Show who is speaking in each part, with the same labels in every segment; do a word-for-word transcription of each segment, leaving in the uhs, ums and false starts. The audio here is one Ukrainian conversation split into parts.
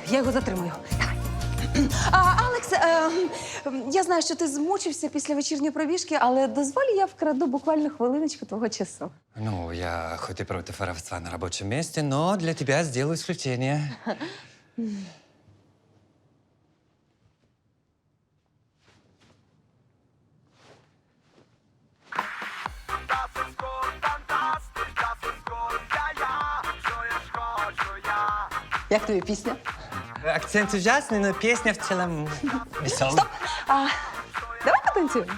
Speaker 1: я його затримую. Давай. А, Алекс, е, я знаю, що ти змучився після вечірньої пробіжки, але дозволь, я вкраду буквально хвилиночку твого часу.
Speaker 2: Ну, я хоть и против воровства на рабочем месте, но для тебя сделаю исключение.
Speaker 1: Як тобі пісня?
Speaker 2: Акцент ужасный, но песня в целом веселая.
Speaker 1: Стоп! А, давай потанцюємо.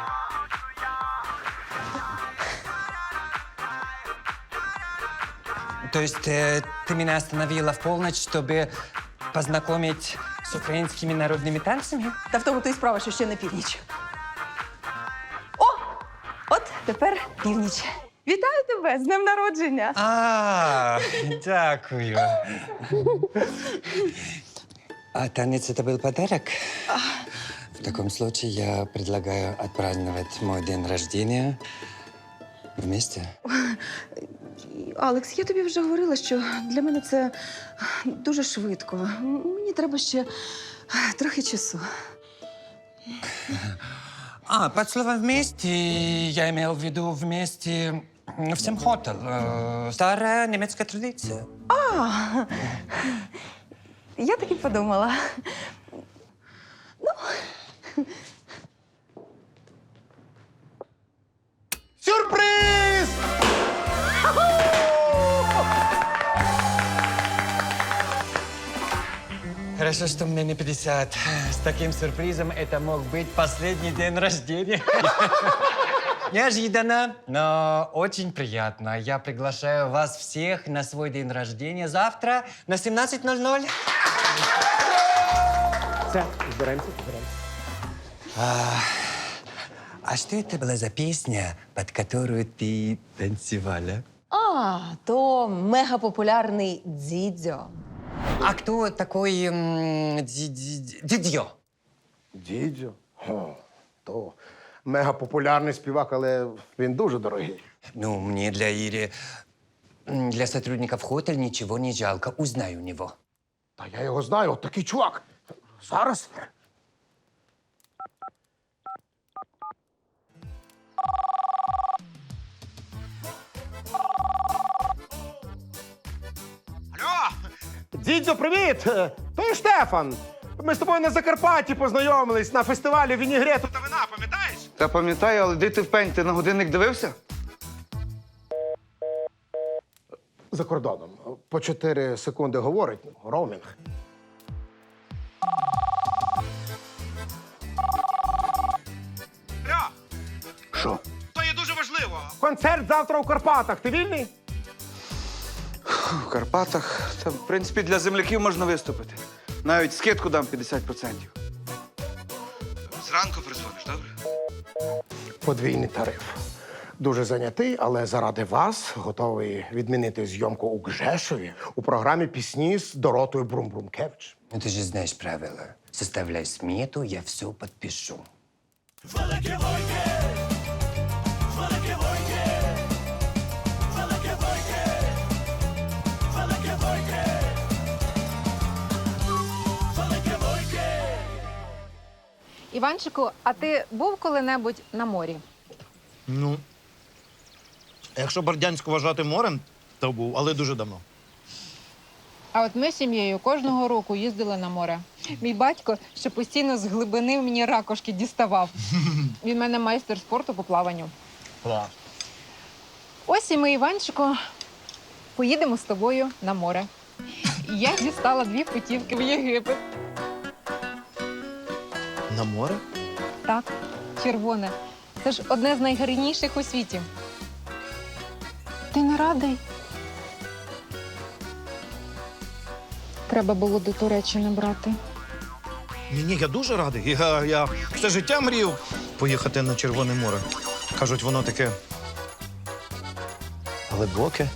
Speaker 2: То есть э, ты меня остановила в полночь, чтобы познакомить с украинскими народными танцами?
Speaker 1: Та в тому то й справа, що ще не північ. О! От тепер північ. Вітаю тебе з днем народження!
Speaker 2: А, дякую. А танец это был подарок? В таком случае я предлагаю отпраздновать мой день рождения вместе.
Speaker 1: Алекс, я тобі вже говорила, що для мене це дуже швидко. Мені треба ще трохи часу.
Speaker 2: А, под словом «вместе» я имел в виду «вместе» в Семхотел. Э, Старая немецкая традиция.
Speaker 1: А, я так і подумала.
Speaker 3: Сюрприз!
Speaker 2: Хорошо, что мне не пятьдесят. С таким сюрпризом это мог быть последний день рождения. Неожиданно, но очень приятно. Я приглашаю вас всех на свой день рождения завтра на семнадцать ноль ноль.
Speaker 3: Все, збираємося, збираємося.
Speaker 2: А что это была за песня, под которую ты танцевала?
Speaker 1: А, то мегапопулярний дзідзьо.
Speaker 2: А кто такой м, Ди- Ди- Дидьо?
Speaker 3: Дідзьо? О, то мегапопулярний співак, але він дуже дорогий.
Speaker 2: Ну, мне для Ири, м, для сотрудников Хотель ничего не жалко. Узнай у него.
Speaker 3: Та я його знаю, от такий чувак. Зараз. Алло! Дідзьо, привіт! Е, То Штефан. Ми з тобою на Закарпатті познайомились на фестивалі вінігрету та вина, пам'ятаєш?
Speaker 4: Та пам'ятаю, але де ти в пень? Ти на годинник дивився?
Speaker 3: За кордоном. По чотири секунди говорить, ну, роумінг. Алло!
Speaker 4: Що?
Speaker 3: То є дуже важливо. Концерт завтра у Карпатах. Ти вільний?
Speaker 4: В Карпатах. Та, в принципі, для земляків можна виступити. Навіть скидку дам п'ятдесят відсотків. Зранку призвониш, добре?
Speaker 3: Подвійний тариф. Дуже зайнятий, але заради вас готовий відмінити зйомку у Гжешові у програмі «Пісні» з Доротою Брум-Брумкевич.
Speaker 2: Ну, ты же знаешь правила. Составляй смету, я все подпишу.
Speaker 5: Іванчику, а ти був коли-небудь на морі?
Speaker 6: Ну, якщо Бердянськ вважати морем, то був, але дуже давно.
Speaker 5: А от ми з сім'єю кожного року їздили на море. Мій батько ще постійно з глибини мені ракушки діставав. Він в мене майстер спорту по плаванню.
Speaker 6: Клас.
Speaker 5: Ось і ми, Іванчику, поїдемо з тобою на море. Я дістала дві путівки в Єгипет.
Speaker 6: На море?
Speaker 5: Так, червоне. Це ж одне з найгарніших у світі. Ти не радий? Треба було до Туреччини брати.
Speaker 6: Ні, ні, я дуже радий. Я, я все життя мріяв поїхати на Червоне море. Кажуть, воно таке глибоке.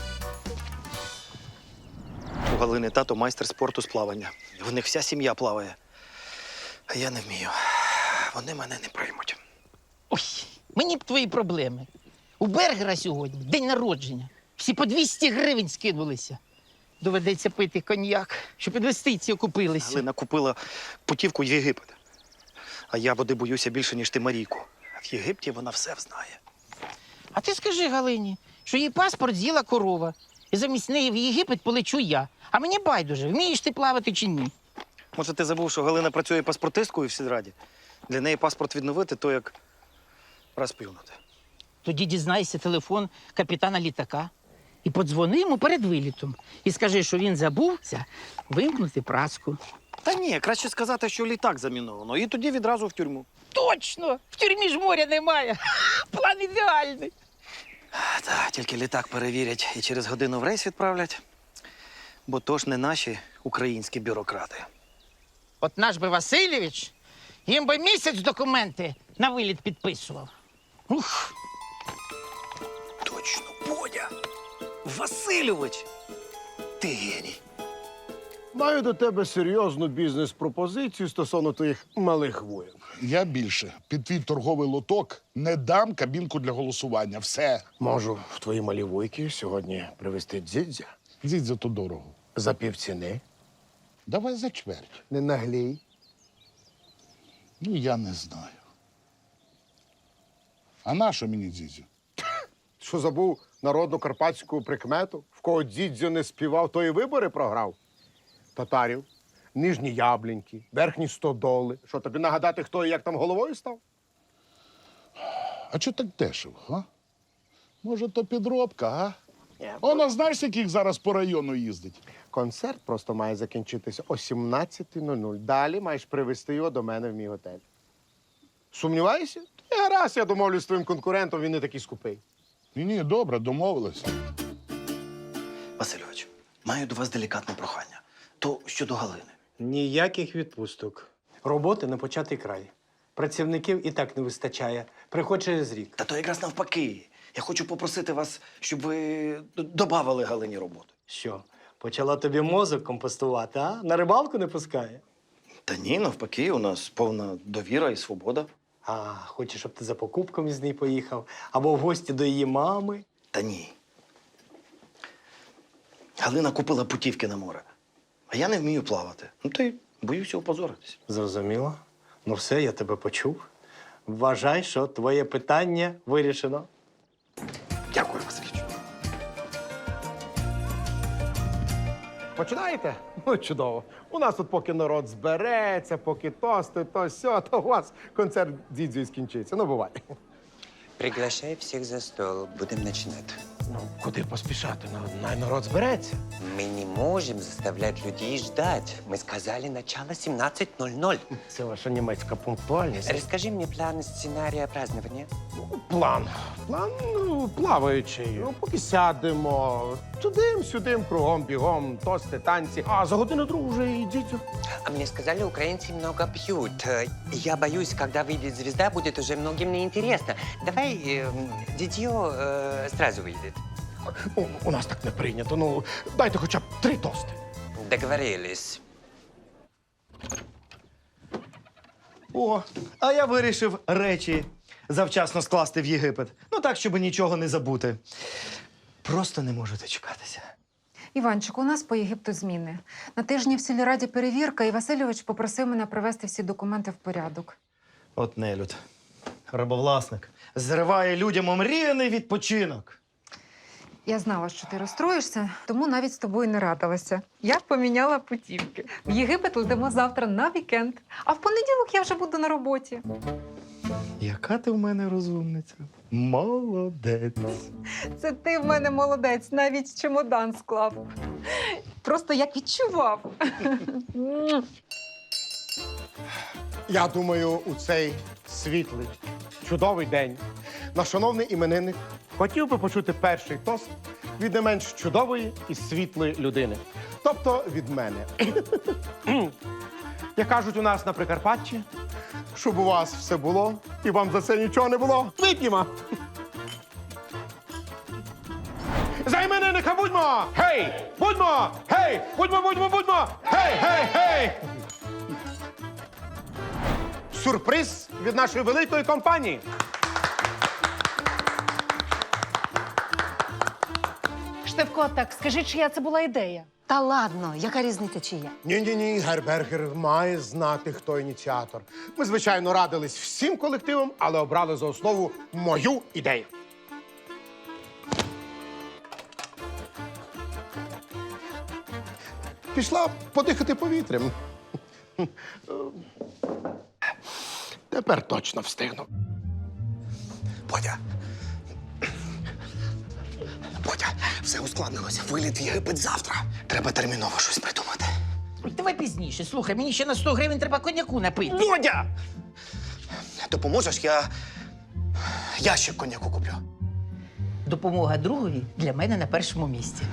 Speaker 6: У Галини тато майстер спорту з плавання. В них вся сім'я плаває. А я не вмію. Вони мене не приймуть.
Speaker 7: Ой, мені б твої проблеми. У Бергера сьогодні день народження. Всі по двісті гривень скинулися. доведеться пити коньяк, щоб інвестиції окупилися.
Speaker 6: Галина купила путівку в Єгипет. А я води боюся більше, ніж ти Марійку. А в Єгипті вона все знає.
Speaker 7: А ти скажи Галині, що її паспорт з'їла корова. І замість неї в Єгипет полечу я. А мені байдуже, вмієш ти плавати чи ні?
Speaker 6: Може, ти забув, що Галина працює паспортисткою в сільраді? Для неї паспорт відновити, то як раз плюнути.
Speaker 7: Тоді дізнайся телефон капітана літака і подзвони йому перед вилітом. І скажи, що він забувся вимкнути праску.
Speaker 6: Та ні, краще сказати, що літак заміновано, і тоді відразу в тюрму.
Speaker 7: Точно! В тюрмі ж моря немає. План ідеальний.
Speaker 6: Так, тільки літак перевірять і через годину в рейс відправлять. Бо то ж не наші українські бюрократи.
Speaker 7: От наш би Васильович, їм би місяць документи на виліт підписував. Ух!
Speaker 6: Точно, Бодя! Васильович! Ти геній.
Speaker 3: Маю до тебе серйозну бізнес-пропозицію стосовно твоїх малих воїн.
Speaker 8: Я більше під твій торговий лоток не дам кабінку для голосування. Все.
Speaker 3: Можу в твої малі вуйки сьогодні привезти дзідзя
Speaker 8: Дзідзя то дорого.
Speaker 3: за півціни.
Speaker 8: Давай за чверть.
Speaker 3: Не наглій.
Speaker 8: Ну, я не знаю. А на що мені дзідзю?
Speaker 3: Що забув народну карпатську прикмету? В кого дзідзю не співав, той і вибори програв. Татарів, нижні ябліньки, верхні стодоли. Що, тобі нагадати, хто і як там головою став?
Speaker 8: А чого так дешево, а? Може, то підробка, а?
Speaker 3: Ні.
Speaker 8: Вона знаєш, яких зараз по району їздить?
Speaker 3: Концерт просто має закінчитися о сімнадцятій нуль нуль. Далі маєш привезти його до мене в мій готель. Сумніваєшся? Та гаразд, я домовлюсь з твоїм конкурентом, він не такий скупий.
Speaker 8: Ні, ні, добре, домовилися.
Speaker 6: Васильович, маю до вас делікатне прохання. То щодо Галини.
Speaker 9: Ніяких відпусток. Роботи на початий край. Працівників і так не вистачає. Приходь через рік.
Speaker 6: Та то якраз навпаки. Я хочу попросити вас, щоб ви д- добавили Галині роботу.
Speaker 9: Що, почала тобі мозок компостувати, а? На рибалку не пускає?
Speaker 6: Та ні, навпаки, у нас повна довіра і свобода.
Speaker 9: А, хоче, щоб ти за покупками з нею поїхав, або в гості до її мами.
Speaker 6: Та ні. Галина купила путівки на море, а я не вмію плавати. Ну, то й боюся опозоритись.
Speaker 9: Зрозуміло. Ну все, я тебе почув. Вважай, що твоє питання вирішено.
Speaker 6: Дякую, Васильович.
Speaker 3: Починаєте? Ну, чудово. У нас тут поки народ збереться, поки тости, то сьо, то у вас концерт дзідзю і скінчиться. Ну, бувай.
Speaker 2: Приглашай всіх за стол. Будемо починати.
Speaker 3: Ну, куди поспішати? Ну, най народ збереться.
Speaker 2: Мы не можем заставлять людей ждать. Мы сказали начало семнадцать ноль ноль.
Speaker 3: Це ваша німецька пунктуальність.
Speaker 2: Расскажи мне план сценария празднования.
Speaker 3: План. План ну, плаваючий. Ну, поки сядемо. Тудим-сюдим, кругом, бігом, тости, танці. А за годину другу вже і дідзю.
Speaker 2: А мне сказали, украинцы много пьют. Э, Я боюсь, когда выйдет звезда, будет уже многим неинтересно. Давай э, дитё э, сразу выйдет.
Speaker 3: У, у нас так не прийнято. Ну, дайте хоча б три тости.
Speaker 2: Договорились.
Speaker 10: О, а я вирішив речі завчасно скласти в Єгипет. Ну так, щоб нічого не забути. Просто не можу дочекатися.
Speaker 5: Іванчик, у нас по Єгипту зміни. На тижні в сільраді перевірка, і Васильович попросив мене привести всі документи в порядок.
Speaker 10: От нелюд. Рабовласник. Зриває людям омріяний відпочинок.
Speaker 5: Я знала, що ти розстроїшся, тому навіть з тобою не радилася. Я поміняла путівки. В Єгипет летимо завтра на вікенд, а в понеділок я вже буду на роботі.
Speaker 10: Яка ти в мене розумниця? Молодець.
Speaker 5: Це ти в мене молодець, навіть чемодан склав. Просто як відчував.
Speaker 3: Я думаю, у цей світлий, чудовий день наш шановний іменинник хотів би почути перший тост від не менш чудової і світлої людини. Тобто від мене. Як кажуть у нас на Прикарпатті, щоб у вас все було і вам за це нічого не було. Вип'ємо! За іменинника будьмо! Гей! Будьмо! Гей! Будьмо, будьмо, будьмо! Гей, гей, гей! Сюрприз від нашої великої компанії.
Speaker 11: Штефко, так скажи, чия це була ідея?
Speaker 1: Та ладно, яка різниця чия?
Speaker 3: Ні-ні-ні, Гербергер має знати, хто ініціатор. Ми, звичайно, радились всім колективом, але обрали за основу мою ідею. Пішла подихати повітрям. Тепер точно встигну.
Speaker 6: Бодя. Бодя, все ускладнилося. Виліт в Єгипет завтра. Треба терміново щось придумати.
Speaker 7: Давай пізніше. Слухай, мені ще на сто гривень треба коньяку напити.
Speaker 6: Бодя! Допоможеш, я ящик коньяку куплю.
Speaker 7: Допомога другові для мене на першому місці.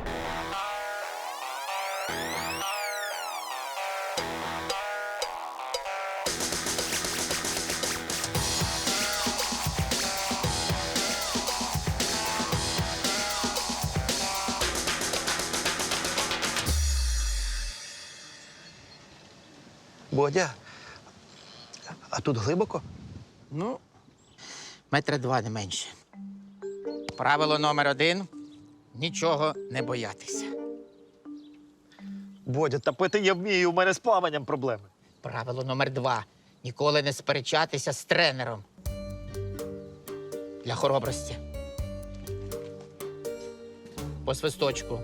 Speaker 6: Бодя, а тут глибоко?
Speaker 7: Ну, метра два не менше. Правило номер один – нічого не боятися.
Speaker 10: Бодя, та пити я вмію, у мене з плаванням проблеми.
Speaker 7: Правило номер два – ніколи не сперечатися з тренером. Для хоробрості. По свисточку.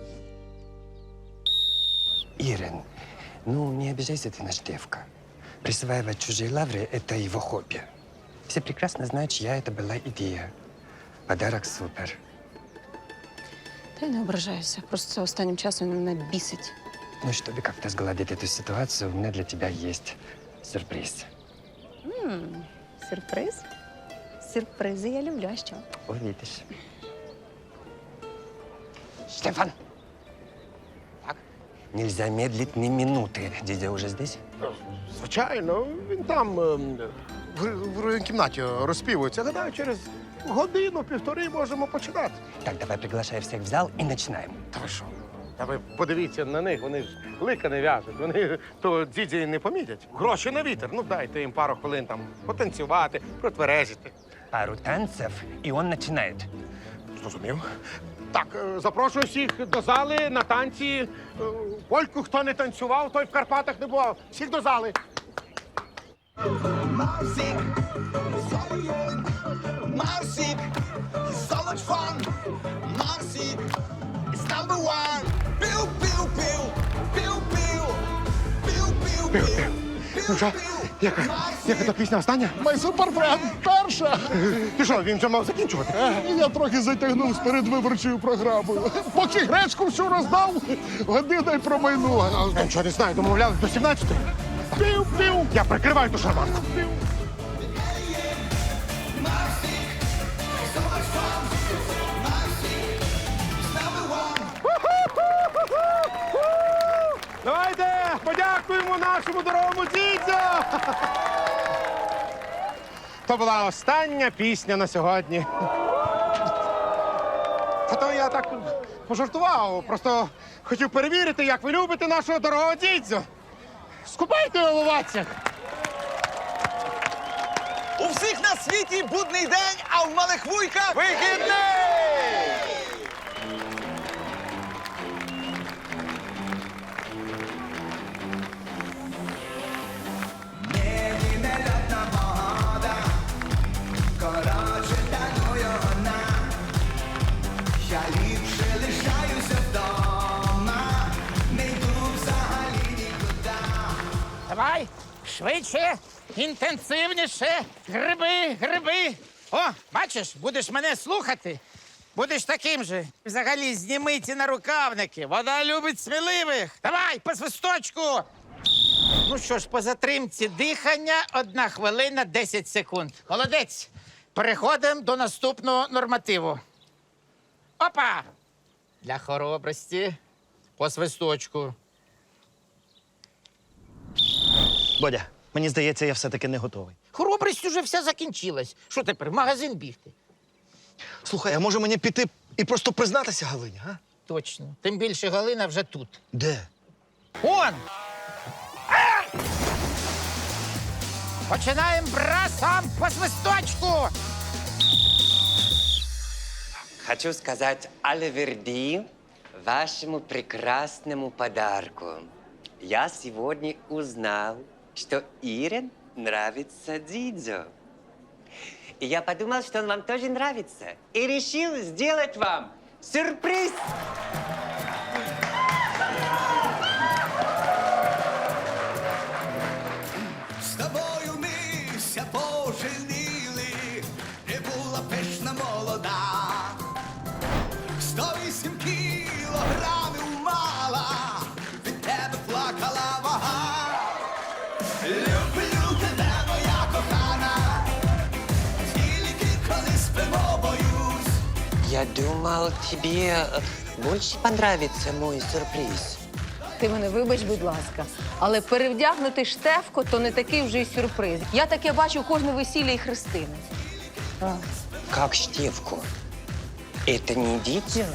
Speaker 2: Ирен, ну не обижайся, ты наш девка. Присваивать чужие лавры – это его хобби. Все прекрасно знают, чья это была идея. Подарок супер.
Speaker 1: Та й не ображаюся. Просто останнім часом він мене бісить.
Speaker 2: Ну, чтобы как-то сгладить эту ситуацию, у меня для тебя есть сюрприз.
Speaker 1: М, Сюрприз? Сюрпризи я люблю, а що?
Speaker 2: Увидишь. Штефан!
Speaker 7: Так?
Speaker 2: Нельзя медлить ни минуты. Дядя уже здесь?
Speaker 3: Звичайно, він там ем, в, в кімнаті розпівується. Гадаю, через годину-півтори можемо починати.
Speaker 2: Так, давай приглашай всех в зал и начинаем.
Speaker 3: Та ви що? Та ви подивіться на них, вони ж лика не в'яжуть. Вони то діді не помітять. Гроші на вітер. Ну дайте їм пару хвилин там потанцювати, протверезити.
Speaker 2: Пару танцев, и он начинает.
Speaker 3: Зрозумів. Так, е, запрошую всіх до зали на танці. Е, Польку, хто не танцював, той в Карпатах не бував. Всіх до зали.
Speaker 11: Marsic is so much fun. Marsic is number one. Pew, pew, pew. Pew, pew. Pew, pew, pew.
Speaker 3: Ну що, яка, яка та пісня остання?
Speaker 8: Май суперфренд, перша.
Speaker 3: Ти що, він вже мав закінчувати?
Speaker 8: Я трохи затягнув з передвиборчою програмою. Поки гречку всю роздав, година й промайнула.
Speaker 3: Я нічого не знаю, домовлялись до сімнадцятої. Пів-пів. Я прикриваю ту шарманку. Давайте подякуємо нашому дорогому дідзю! То була остання пісня на сьогодні. Та то я так пожартував, просто хотів перевірити, як ви любите нашого дорогого дідзю. Скупайте в оваціях!
Speaker 11: У всіх на світі будний день, а в малих вуйках
Speaker 3: Вихідний!
Speaker 11: коротше таную вона. Я ліпше лишаюся вдома, не йду взагалі нікуди.
Speaker 7: Давай, швидше, інтенсивніше. Гриби, гриби. О, бачиш, будеш мене слухати. Будеш таким же. Взагалі, зніми ці нарукавники. Вода любить сміливих. Давай, по свисточку. Ну що ж, по затримці дихання одна хвилина десять секунд. Молодець. Переходимо до наступного нормативу. Опа! Для хоробрості по свисточку.
Speaker 10: Бодя, мені здається, я все-таки не готовий.
Speaker 7: Хоробрість уже вся закінчилась. Що тепер, в магазин бігти?
Speaker 10: Слухай, а може мені піти і просто признатися Галині, а?
Speaker 7: Точно. Тим більше Галина вже тут.
Speaker 10: Де?
Speaker 7: Он! А! Починаємо брасом по свисточку.
Speaker 2: Хочу сказать Альверди. вашему прекрасному подарку. Я сегодня узнал, что Ире нравится Дидзо. И я подумал, что он вам тоже нравится. И решил сделать вам сюрприз.
Speaker 11: З тобою ми ся поженили, не була пишна молода. Сто вісім кілограмів мала, від тебе плакала вага. Люблю тебе, моя кохана, тільки коли спимо боюсь.
Speaker 2: Я думал, тебе больше понравится мой сюрприз.
Speaker 1: Ти мене вибач, будь ласка, але перевдягнути Штефко то не такий вже й сюрприз. Я таке бачу кожне весілля і хрестини.
Speaker 2: Как Штефку? Это не Дидзо?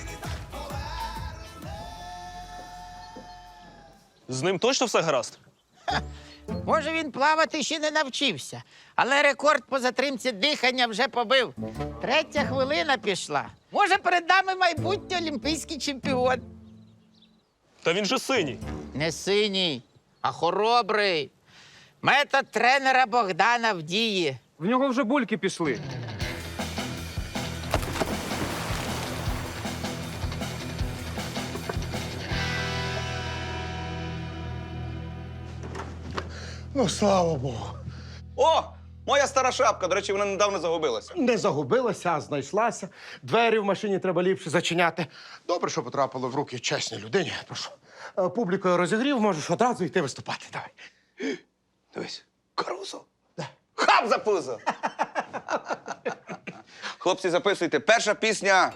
Speaker 6: З ним точно все гаразд?
Speaker 7: Може, він плавати ще не навчився, але рекорд по затримці дихання вже побив. Третя хвилина пішла. Може, перед нами майбутній олімпійський чемпіон.
Speaker 6: Та він же синій.
Speaker 7: Не синій, а хоробрий. Метод тренера Богдана в дії.
Speaker 9: В нього вже бульки пішли.
Speaker 3: Ну, слава Богу.
Speaker 4: О! Моя стара шапка, до речі, вона недавно загубилася.
Speaker 3: Не загубилася, а знайшлася. Двері в машині треба ліпше зачиняти. Добре, що потрапило в руки чесній людині. Прошу. Е, Публікою розігрів, можеш одразу йти виступати. Давай.
Speaker 4: Дивись, Карузо.
Speaker 3: Да.
Speaker 4: Хап за пузо! Хлопці, записуйте. Перша пісня.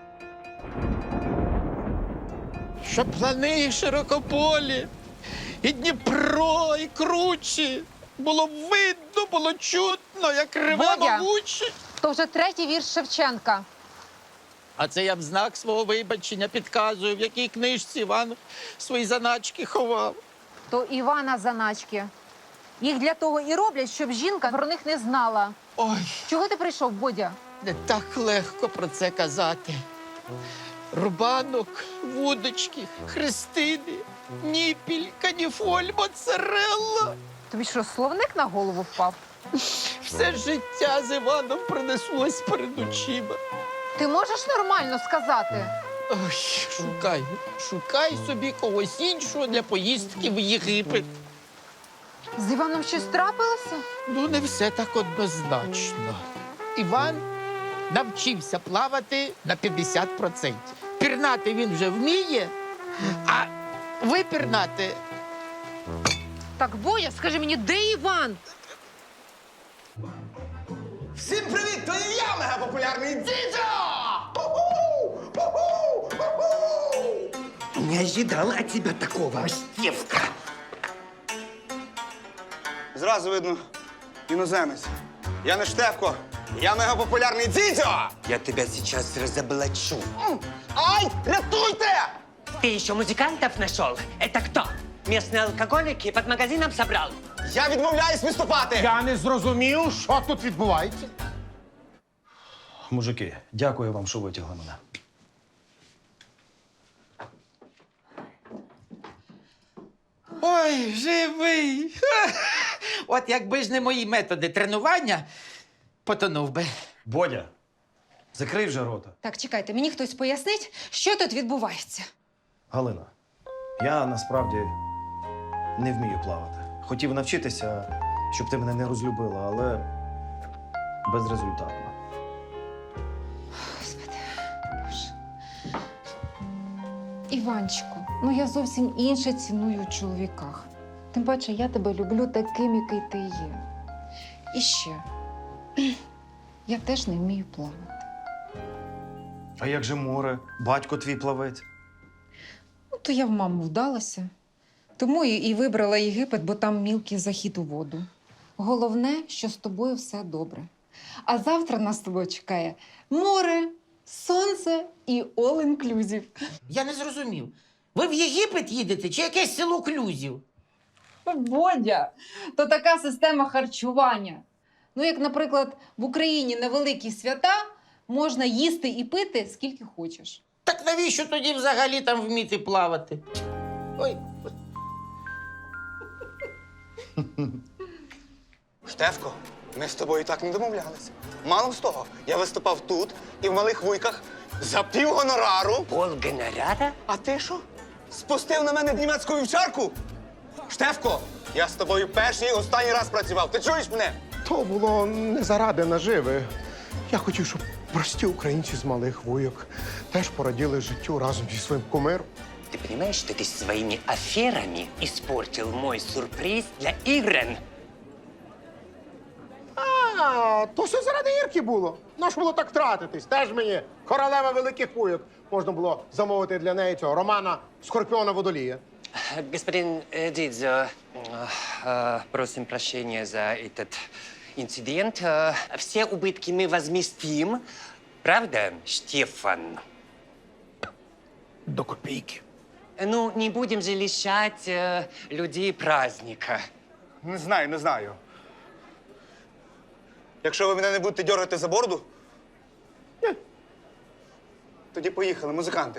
Speaker 7: Що плани широкополі, і Дніпро, і кручі. Було видно, було чутно, як реве
Speaker 5: Бодя!
Speaker 7: мабуче.
Speaker 5: То вже третій вірш Шевченка.
Speaker 7: А це я в знак свого вибачення підказую, в якій книжці Іван свої заначки ховав.
Speaker 5: То Івана заначки. Їх для того і роблять, щоб жінка про них не знала.
Speaker 7: Ой,
Speaker 5: Чого ти прийшов, Бодя?
Speaker 7: не так легко про це казати. Рубанок, вудочки, хрестини, ніпіль, каніфоль, моцарелла.
Speaker 5: Тобі що, словник на голову впав?
Speaker 7: Все життя з Іваном пронеслось перед очима.
Speaker 5: Ти можеш нормально сказати?
Speaker 7: Ой, шукай, шукай собі когось іншого для поїздки в Єгипет.
Speaker 5: З Іваном щось трапилося?
Speaker 7: Ну, не все так однозначно. Іван навчився плавати на п'ятдесят відсотків. Пірнати він вже вміє, а випірнати
Speaker 5: Так, Бодя, скажи мені, де Іван?
Speaker 11: Всім привіт! То і я мегапопулярний Дідзо!
Speaker 2: Не ожидал от тебя такого, Штефка.
Speaker 4: Зразу видно, іноземець. Я не Штефко, я мегапопулярний Дідзьо!
Speaker 2: Я тебя сейчас разоблачу.
Speaker 11: Ай, рятуйте!
Speaker 2: Ты еще музыкантов нашел? Это кто? Местные алкоголики под магазином собрал?
Speaker 11: Я відмовляюсь виступати!
Speaker 3: Я не зрозумів, що тут відбувається.
Speaker 6: Мужики, дякую вам, що витягли мене.
Speaker 7: Ой, живий. От якби ж не мої методи тренування, потонув би.
Speaker 6: Бодя, закрий вже рота.
Speaker 1: Так, чекайте, мені хтось пояснить, що тут відбувається.
Speaker 6: Галина, я насправді не вмію плавати. Хотів навчитися, щоб ти мене не розлюбила, але безрезультатно.
Speaker 5: Господи, Боже. Іванчику, ну я зовсім інше ціную у чоловіках. Тим паче, я тебе люблю таким, який ти є. І ще, я теж не вмію плавати.
Speaker 10: А як же море? Батько твій плавець.
Speaker 5: Ну, то я в маму вдалася. Тому і, і вибрала Єгипет, бо там мілкий захід у воду. Головне, що з тобою все добре. А завтра нас з тобою чекає море, сонце і all-inclusive.
Speaker 7: Я не зрозумів. Ви в Єгипет їдете чи якесь село Клюзів?
Speaker 5: Бодя, то така система харчування. Ну, як, наприклад, в Україні на великі свята можна їсти і пити скільки хочеш.
Speaker 7: Так Так навіщо тоді взагалі там вміти плавати? Ой.
Speaker 11: Штефко, ми з тобою так не домовлялися. Мало з того, я виступав тут і в малих вуйках за пів гонорару.
Speaker 2: Пол гонорара?
Speaker 11: А ти що? Спустив на мене німецьку вівчарку? Штефко, я з тобою перший і останній раз працював. Ти чуєш мене?
Speaker 3: То було не заради наживи. Я хотів, щоб прості українці з малих вуйок теж пораділи життю разом зі своїм кумиром.
Speaker 2: Ты понимаешь, что ты своими аферами испортил мой сюрприз для Ирен?
Speaker 3: А, то все заради Ірки було. Нащо було так втратитись? Теж мені королева великих вуйок. Можна було замовити для неї цього романа Скорпіона Водолія.
Speaker 2: Господин э, Дидзо, э, э, просим прощения за этот инцидент. Э, все убытки мы возместим. Правда, Штефан?
Speaker 7: До копійки.
Speaker 2: Ну, не будем же лишать э, людей праздника.
Speaker 11: Не знаю, не знаю. Якщо ви мене не будете дергати за бороду, ні. Тоді поїхали, музиканти.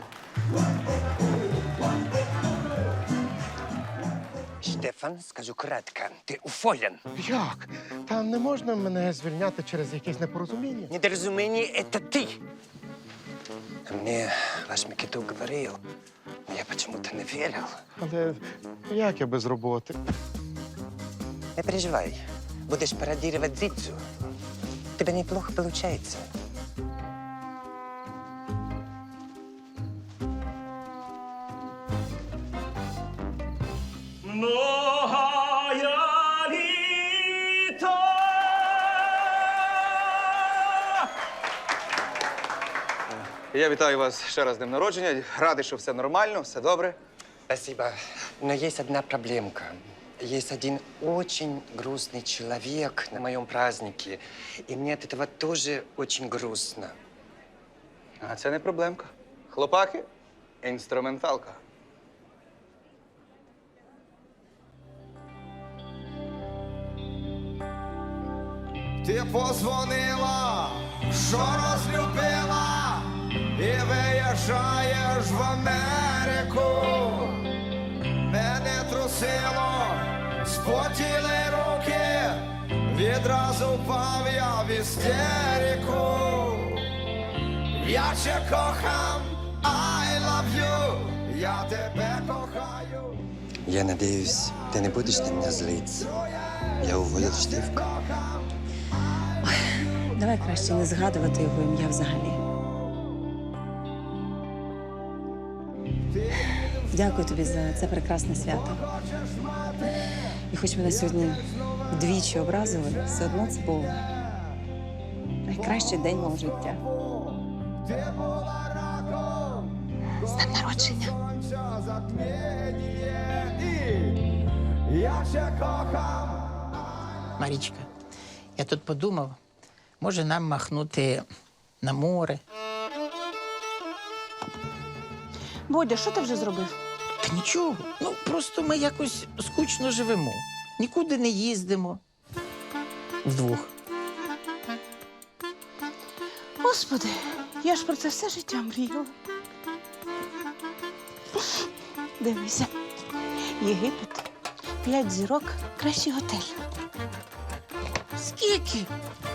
Speaker 2: Штефан, скажу кратко, ты уволен.
Speaker 3: Як? Та не можна мене звільняти через якесь непорозуміння.
Speaker 2: Недоразумение — это ты. А мне ваш Микиту говорил, но я почему-то не верил.
Speaker 3: Але як я без роботи?
Speaker 2: Не переживай, будешь пародировать Дзидзу. У тебя неплохо получается.
Speaker 4: Я вітаю вас ще раз з днем народження. Радий, що все нормально, все добре.
Speaker 2: Спасибо. Но есть одна проблемка. Есть один очень грустный человек на моем празднике, и мне от этого тоже очень грустно.
Speaker 4: А це не проблемка. Хлопаки, інструменталка.
Speaker 11: Ти позвонила, що розлюбила, і виїжджаєш в Америку. Мене трусило, спотіли руки, відразу впав я в істерику. Я ще кохам, I love you, я тебе кохаю.
Speaker 2: Я надеюсь, ты не будешь на меня злиться. Я уволил Штефка.
Speaker 1: Давай краще не згадувати його ім'я взагалі. Дякую тобі за це прекрасне свято. І хоч мене сьогодні двічі образили, все одно це був найкращий день мого життя. З днем народження!
Speaker 11: Я ще кохам.
Speaker 7: Марічка, я тут подумав, може нам махнути на море.
Speaker 1: Бодя, що ти вже зробив?
Speaker 7: Та нічого, ну просто ми якось скучно живемо. Нікуди не їздимо. Вдвох.
Speaker 1: Господи, я ж про це все життя мріяла. Дивися, Єгипет, п'ять зірок, кращий готель.
Speaker 7: Скільки?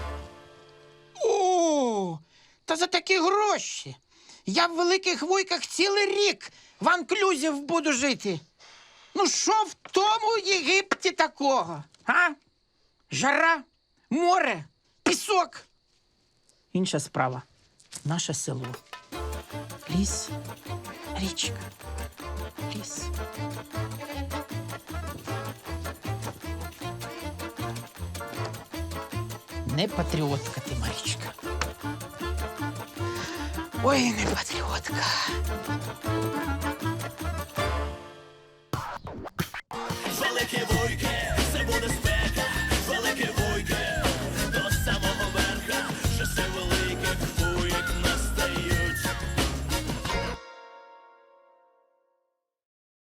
Speaker 7: О, та за такі гроші. Я в Великих Вуйках цілий рік в анклюзів буду жити. Ну що в тому Єгипті такого? А? Жара, море, пісок. Інша справа. Наше село. Ліс, річка, ліс. Не патріотка ти, Марічка. Ой, не патріотка.